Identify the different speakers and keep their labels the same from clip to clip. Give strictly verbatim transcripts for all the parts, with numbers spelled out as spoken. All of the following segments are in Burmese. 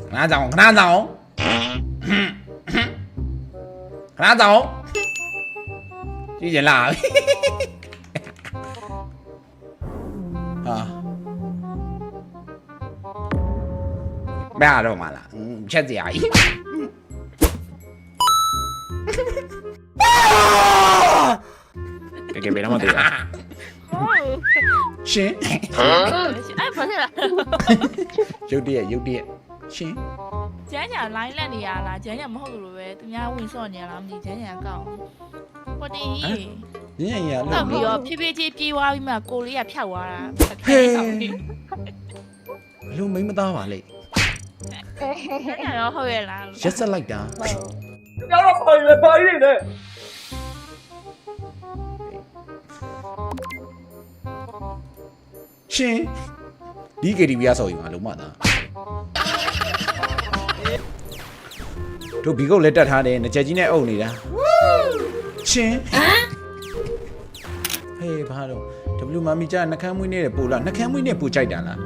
Speaker 1: ခဏဆောင်ခဏဆောင်ခဏဆောင်ကြည့်ကြလားဟာဘယ်တော့မှလားချက်စရာကြီးကဲကဲဘယ်တော့မှတွေ့ရရှင်
Speaker 2: အဲ့ဘာလဲ
Speaker 1: ရုတ်တရက်ရုတ်တရက်ရှင်
Speaker 2: ကျန်းညာ line လက်နေရလားကျန်းညာမဟုတ်လို့ပဲသူများဝင်စော့နေရလားမသိကျန်းညာကောက်ဟုတ်တယ်
Speaker 1: ညင်ရ
Speaker 2: လို့ပြီးတော့ဖြည်းဖြည်းချင်းပြေးသွားပြီးမှကိုလေးကဖြောက်သွားတာ
Speaker 1: ဟေးဘလို့မိမသားပါလေ
Speaker 2: ကျန်းညာရောဟုတ်ရဲ့လား
Speaker 1: ရက်ဆက်လိုက်တာ
Speaker 3: ပြောတော့ပါလေပါရည်နဲ့
Speaker 1: ရှင်ဒီကေတီဗီရဆော်ယူမှာလုံးမသားတို့ဘီကုတ်လက်တက်ထားတယ်ငကြက်ကြီးနဲ့အုပ်နေတာရှင်ဟေးဘာတော့ W မမီကြာနှကမ်းမွေးနေတဲ့ပူလားနှကမ်းမွေးနဲ့ပူကြိုက်တာလား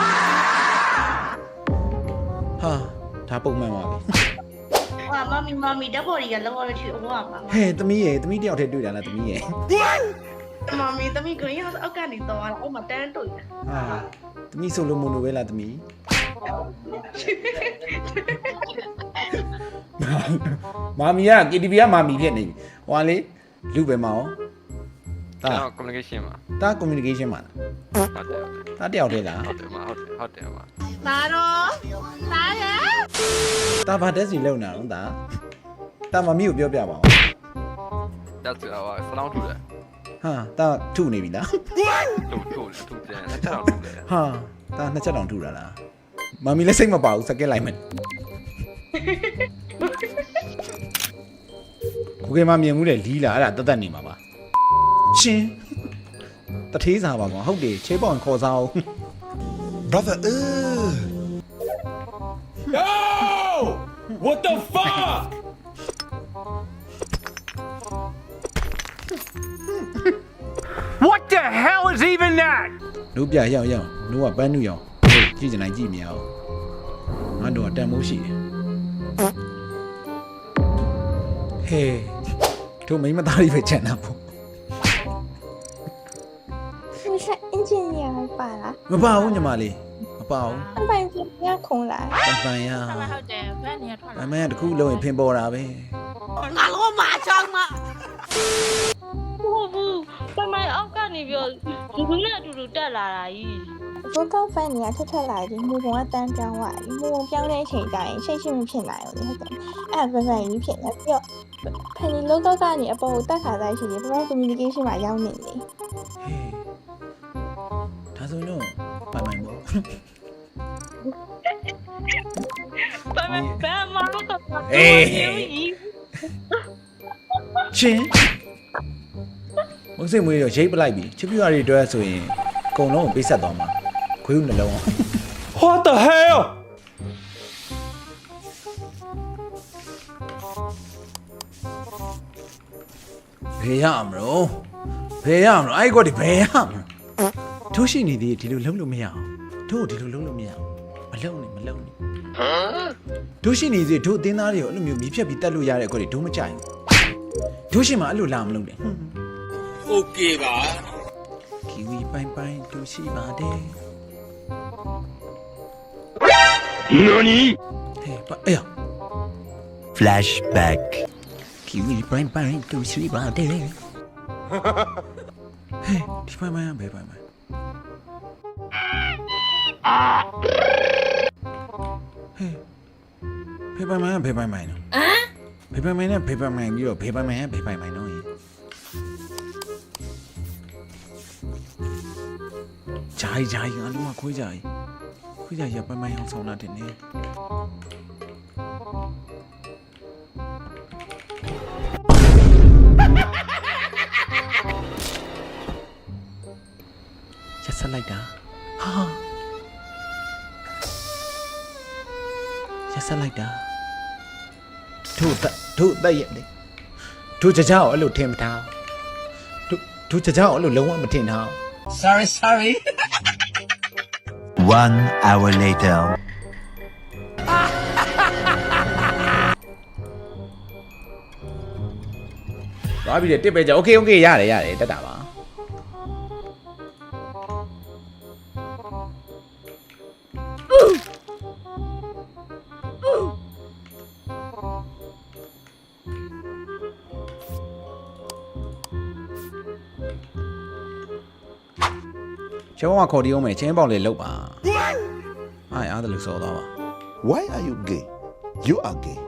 Speaker 1: ဟာဒါပုံမှန်ပါပဲ
Speaker 4: ဟာမမီမမီဓာတ်ပေါ်ကြီးကလောလောချီအော်ပါ
Speaker 1: ဟဲ့သမီးရဲ့သမီးတယောက်တည်းတွေ့တာလားသမီးရဲ့
Speaker 4: မမီသမီး green house အောက်ကနေတော့အောက်မှာတန်းတွေ့တာ
Speaker 1: ဟာသမီးဆိုလိုမို့လို့ပဲလားသမီးမာမီက ကေတီဗီ ကမာမီဖြစ်နေပြီဟွာလေလူပဲမအောင်
Speaker 5: ဒါ communication မှာ
Speaker 1: ဒါ communication မှာ
Speaker 5: ဟုတ်တယ်
Speaker 1: ဒါတယောက်တည်းလား
Speaker 5: ဟုတ်တယ်မဟုတ်ဟုတ်တယ်မ
Speaker 2: ဒါတော့ဒါရ
Speaker 1: ဒါဘာတက်စီလုံနေအောင်ဒါဒါမမီကိုပြောပြပါဦး
Speaker 5: ဒါဆိုတော့ဖလောင်းထူတယ်
Speaker 1: ဟာဒါထုနေပြီလား
Speaker 5: ထုထုထုတယ်နှစ်ချက်တော့ထုတယ်
Speaker 1: ဟာဒါနှစ်ချက်တောင်ထုတာလားမမီလည်းစိတ်မပါဘူးစကက်လိုက်မယ်ကိုကေမမြင်မှုတဲ့လီးလာအဲ့ဒါတတ်တတ်နေမှာပါရှင်တထေးစားပါကွာဟုတ်တယ်ချေးပေါင်ခေါ်စားအောင်
Speaker 6: brother uh
Speaker 3: yo what the fuck what the hell is even that
Speaker 1: တို့ပြရောက်ရောက်တို့ကပန်းနုရောင်ကြည့်ကြနိုင်ကြည့်မြင်အောင်ငါတို့ကတန်မိုးရှိတယ်ဟေးတို့မိမသားလေးပဲချန်တာပေါ့
Speaker 7: 你是 engineer ပါလား
Speaker 1: မပါဘူးညီမလေးမပါဘူး
Speaker 7: အပိုင်ပြရခုံးလာ
Speaker 1: ပန်ပန်ရ
Speaker 2: ဟုတ်တယ်ဘယ်နေရထွက်လာ
Speaker 1: အမေကတခုလုံးရင်ဖင်ပေါ်တာပဲ
Speaker 2: ငါလုံးမချောင်းမ
Speaker 4: ဟုတ်ဘူးပမိုင်အောက်ကနေပြောဒီကူနဲ့အတူတူတက်လာတာကြီး
Speaker 7: ဘုကောက်ဖန်နေရထက်ထက်လာပြီးမူပုံကတန်းပြောင်းသွားပြီမူပုံပြောင်းတဲ့အချိန်တိုင်းရှိတ်ရှိမဖြစ်နိုင်ဘူးလေဟုတ်တယ်အဲ့ဒါဗန်ကြီးဖြစ်နေပြီးတော့ဖန်ဒီလောကကနေအပေါ်ကိုတက်ခါတိုင်းရှိတယ်ဘာမှ communication မှာရောက်နေလေ
Speaker 1: ဟေးဒါဆိုရင်တော့ပိုင်ပိုင်ပေါ့
Speaker 4: ပမိုင်ဘာမှမတော့
Speaker 1: အေးချင်းမုံစိတ်မွေးတော့ရိတ်ပလိုက်ပြီချစ်ပြူရီတွဲဆိုရင်အကုန်လုံးကိုပေးဆက်သွားမှာခွေးဦးနှလုံးအောင်
Speaker 3: what the hell
Speaker 1: ဘယ်ရမလို့ဘယ်ရမလို့အဲ့ကောဒီဘယ်ရမလို့တို့ရှိနေသေးဒီလိုလုံးလို့မရအောင်တို့ဒီလိုလုံးလို့မရအောင်မလုံးနဲ့မလုံးနဲ့တို့ရှိနေသေးတို့အတင်းသားတွေကိုအဲ့လိုမျိုးမီးဖြတ်ပြီးတက်လို့ရတဲ့ကောဒီတို့မကြိုက်ဘူးတို့ရှိမှအဲ့လိုလာမလုံးနဲ့
Speaker 3: โอเคပါ
Speaker 1: ကီဝီပိုင်ပိုင်တို့ရှိပါတယ်
Speaker 3: နော်နီ
Speaker 1: ဟေးပါအေး
Speaker 6: flashback
Speaker 1: ကီဝီပိုင်ပိုင်တို့ရှိပါတယ်ဟေးဒီပိုင်ပိုင်ဘယ်ပိုင်ပိုင်ဟေးဘယ်ပိုင်ပိုင်ဘယ်ပိုင်ပိုင်နော်ဟမ်ဘယ်ပိုင်ပိုင်နဲ့ဘယ်ပိုင်ပိုင်ပြီးတော့ဘယ်ပိုင်ပိုင်ကဘယ်ပိုင်ပိုင်နော်ဂျာကြီးဂျာကြီးငါလုံးဝခွေးဂျာကြီးခွေးဂျာကြီးပန်းပန်းအောင်ဆောင်လာတယ်နေရက်ဆက်လိုက်တာဟာရက်ဆက်လိုက်တာတို့တို့တက်ရက်လေတို့ကြကြောက်အဲ့လိုထင်မထားတို့တို့ကြကြောက်အဲ့လိုလုံးဝမထင်ထား
Speaker 3: sorry sorry
Speaker 6: one hour later
Speaker 1: သွားပြီတဲ့တစ်ပဲကြာโอเคโอเคရတယ်ရတယ်တက်တာပါကျောင်းကခေါ်တီးအောင်မယ်ချင်းပေါက်လေးလောက်ပါအားအားတယ်လို့ဆိုတော့ပါ
Speaker 6: Why are you gay? You are gay.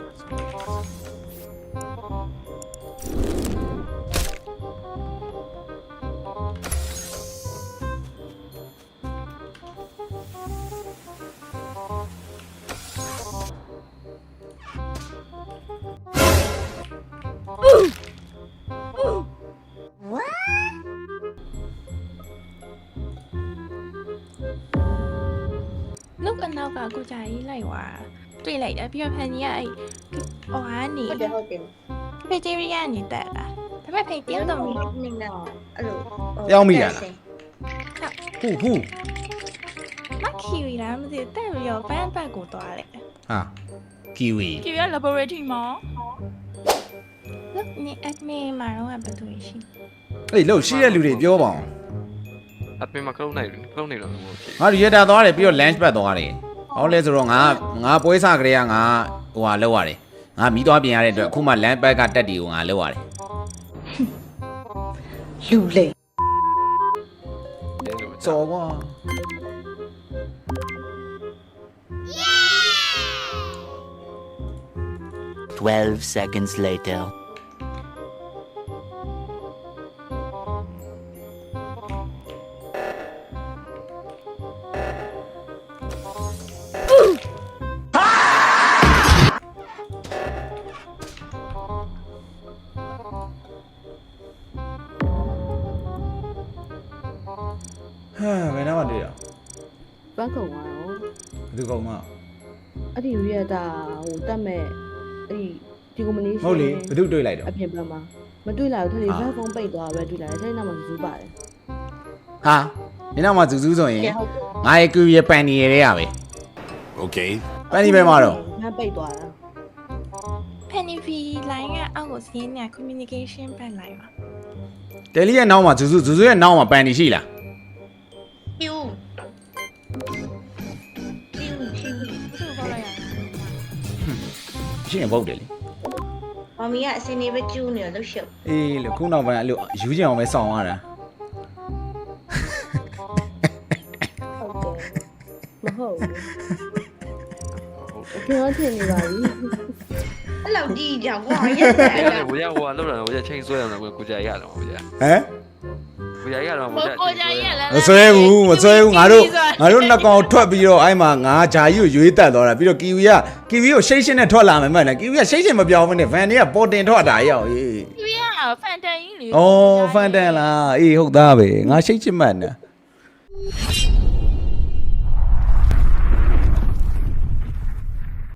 Speaker 7: လုတ်အနောက်ကကိုကြာကြီးလိုက်သွားတွေ့လိုက်တယ်ပြီးတော့ဖန်ကြီးကအဲ့ဟိုဟာနေဟုတ်တယ်ဟုတ်တယ်ဖေဂျီရီယာနေတက်လာဒါပေမဲ့ဖေတယောက်တော့နေနေအဲ့လို
Speaker 1: ပြောင်းမိရလားဟူဟူ
Speaker 7: မခီရီလားမသိတက်ပြီးတော့ဘန်းဘက်ကိုသွားတယ်
Speaker 1: ဟာကီဝီ
Speaker 2: ကြည့်ရ laboratory မှာ
Speaker 7: လုတ်နေအက်မီမှာတော့ဘယ်သူရှိ
Speaker 1: အေးလို့ရှိတဲ့လူတွေပြောပါအောင်
Speaker 5: အပြင်မှာခလုံးနိုင်ခလုံးနေတော့မဟုတ်ဘူး
Speaker 1: ငါတို့ရတာသွားတယ်ပြီးတော့ lunch ဘက်သွားတယ်ဟောလဲဆိုတော့ငါငါပွဲစားကလေးကငါဟိုဟာလောက်ရတယ်ငါမီးသွားပြင်ရတဲ့အတွက်အခုမှ lunch ဘက်ကတက်တီကိုငါလောက်ရတယ်
Speaker 7: လူလေ
Speaker 1: စော်ကွာ
Speaker 8: Twelve seconds later.
Speaker 1: Ha, ဘယ်တော့မှတွေ့ရ
Speaker 9: ဘတ်ကုံသွားတော့
Speaker 1: ဘယ်သူကောင်မ
Speaker 9: အဲ့ဒီရတာဟိုတက်မဲ့အဲ့ဒီဒီကုမ္ပဏီ
Speaker 1: ဟုတ်လေဘယ်သူတွေ့လိုက်တော့
Speaker 9: အပြင်ဘက်မှာမတွေ့လာဘူးထက်လေဘတ်ဖုန်းပိတ်သွားပဲတွေ့လာတယ်အဲ့နောက်မှာဇူးပါတယ်
Speaker 1: ဟာဒီနောက်မှဇူးဇူးဆိုရင်ငါရဲ့ကူရဲ့ပန်နီရဲ့ရပဲ
Speaker 6: Okay.
Speaker 1: ပန်နီပဲမှာတော့
Speaker 9: ငါပိတ်သွားတာ
Speaker 7: ဖန်နီဗီလိုင်းကအောက်ကိုစီးနေ communication ဘက်လိုက်ပါ
Speaker 1: တယ်လီရဲ့နောက်မှာဇူးဇူးဇူးဇူးရဲ့နောက်မှာပန်နီရှိလား
Speaker 4: ပြူပြူပြူ
Speaker 2: သူ့ကိုခေါ်လိုက်ရ
Speaker 1: ရှိရင်ပုတ်တယ်လေ
Speaker 4: မမီကအစင်းနေပဲကျူးနေတော့ရှုပ်
Speaker 1: အေးလေခုနောက်ပိုင်းအဲ့လိုယူချင်အောင်ပဲစောင့်ရတာ
Speaker 9: ဟုတ်တယ်မဟုတ်ဘူးကျွန်တော်ထင်နေပါပြီ
Speaker 4: အဲ့လောက်ဒီကြောင်ကွာရက်တယ်
Speaker 5: အဲ့ဒါကိုရဟိုကလောက်တာကိုရချိန်ဆွဲရအောင်ကိုကြာရတော့ကိုကြာ
Speaker 1: ဟမ်
Speaker 5: ကိုကြာရတော့
Speaker 2: ကိုကိုကြာကြီးကလည်း
Speaker 1: မဆွဲဘူးမဆွဲဘူးငါတို့ငါတို့နှစ်ကောင်ထွက်ပြီးတော့အဲ့မှာငါဂျာကြီးကိုရွေးတက်သွားတာပြီးတော့ကီဝီကကီဝီကိုရှိတ်ရှင်းနဲ့ထွက်လာမယ်မှန်တယ်ကီဝီကရှိတ်ရှင်းမပြောင်းဘူးနဲ့ဗန်တွေကပေါ်တင်ထွက်တာရောက်ရေး
Speaker 2: သူရဖန်တန်ကြီးလေ
Speaker 1: ဩဖန်တန်လားအေးဟုတ်သားပဲငါရှိတ်ချင်မှတ်နေ